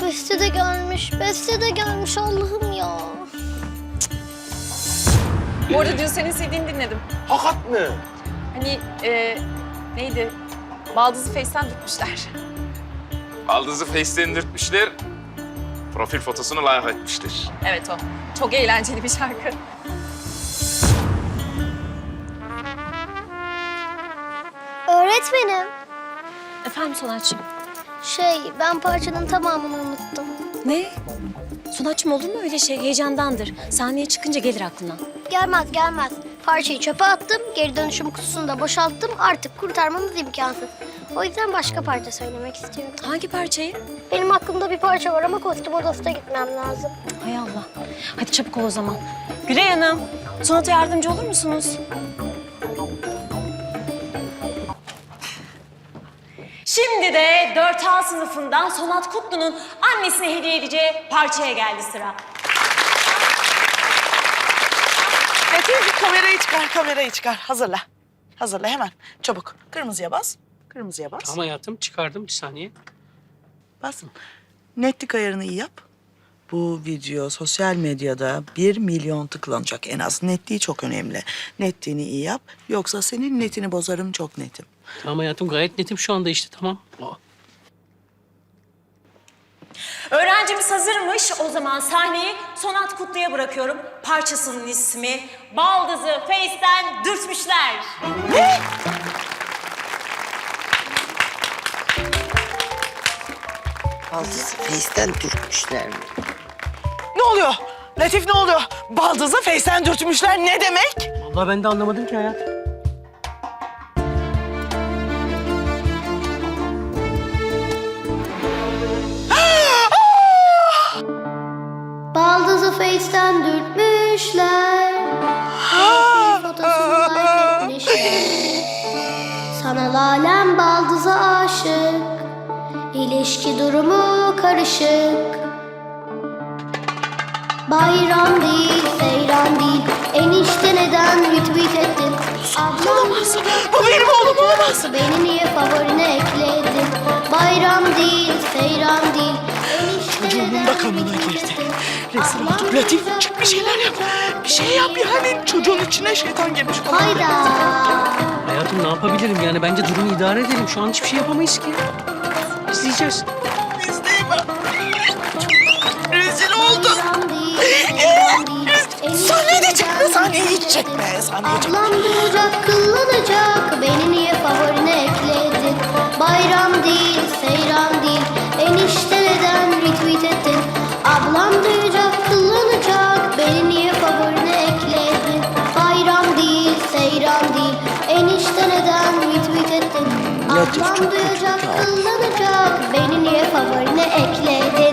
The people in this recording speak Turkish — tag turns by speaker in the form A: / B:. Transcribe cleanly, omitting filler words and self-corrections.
A: Beste de gelmiş, Beste de gelmiş Allah'ım ya.
B: Bu arada dün senin CD'ni dinledim.
C: Hakat mı?
B: Hani neydi? Baldızı Face'ten tutmuşlar.
D: Baldızı Face'ten dürtmüşler. Profil fotosunu like etmişler.
B: Evet o. Çok eğlenceli bir şarkı.
A: Öğretmenim,
E: Efendim Sonatçığım?
A: ben parçanın tamamını unuttum.
E: Ne? Sonatçığım olur mu öyle şey? Heyecandandır. Sahneye çıkınca gelir aklına.
A: Gelmez gelmez. Parçayı çöpe attım, geri dönüşüm kutusunu da boşalttım. Artık kurtarmamız imkansız. O yüzden başka parça söylemek istiyorum.
E: Hangi parçayı?
A: Benim aklımda bir parça var ama kostüm odasına gitmem lazım.
E: Hay Allah. Hadi çabuk ol o zaman. Gülay Hanım, Sonat'a yardımcı olur musunuz? Şimdi de 4A sınıfından Sonat Kutlu'nun annesine hediye edeceği parçaya geldi sıra.
F: Metin kamerayı çıkar. Hazırla. Hazırla hemen. Çabuk. Kırmızıya bas. Kırmızıya bas.
G: Tamam hayatım çıkardım bir saniye.
F: Basın. Netlik ayarını iyi yap. Bu video sosyal medyada 1 milyon tıklanacak en az. Netliği çok önemli. Netliğini iyi yap. Yoksa senin netini bozarım, çok netim.
G: Tamam hayatım gayet netim şu anda işte tamam.
E: Öğrencimiz hazırmış. O zaman sahneyi Sonat Kutlu'ya bırakıyorum. Parçasının ismi Baldızı Face'ten Dürtmüşler.
F: Ne?
H: Baldızı Face'ten dürtmüşler mi?
F: Ne oluyor? Latif ne oluyor? Baldızı Face'ten dürtmüşler ne demek?
G: Vallahi ben de anlamadım ki hayatım.
A: Baldızı Face'ten dürtmüşler. Fotosunu like etmişler. Sanal alem baldıza aşık. İlişki durumu karışık. Bayram değil, seyran değil. Enişte neden retweet ettin? Ablam
F: Bu benim oğlum olamaz.
A: beni niye favorine ekledin? Bayram değil, seyran değil. Enişte
F: Çocuğumun
A: neden
F: da kanına
A: retweet
F: girdi.
A: ettin?
F: Rezil
A: Ablam
F: olduk. Latif çık bir şeyler yap. Bir şey yap yani. Çocuğun içine şeytan girmiş falan.
A: Hayda.
G: Hayatım ne yapabilirim yani bence durumu idare edelim. Şu an hiçbir şey yapamayız ki. İzleyeceğiz.
F: İzleyemem. Rezil olduk.
A: Bayram değil, seyran değil.
F: Sahneye de çekme, sahneyi hiç çekme. Sahneye çekme.
A: Ablam duyacak, kıllanacak. Beni niye favorine ekledin? Bayram değil, seyran değil. Enişte neden retweet ettin? Ablam duyacak, kıllanacak. Beni niye favorine ekledin? Bayram değil, seyran değil. Enişte neden retweet ettin?
F: Latif çok
A: Ablam
F: kötü
A: duyacak,
F: ya.
A: kıllanacak. Beni niye favorine ekledin?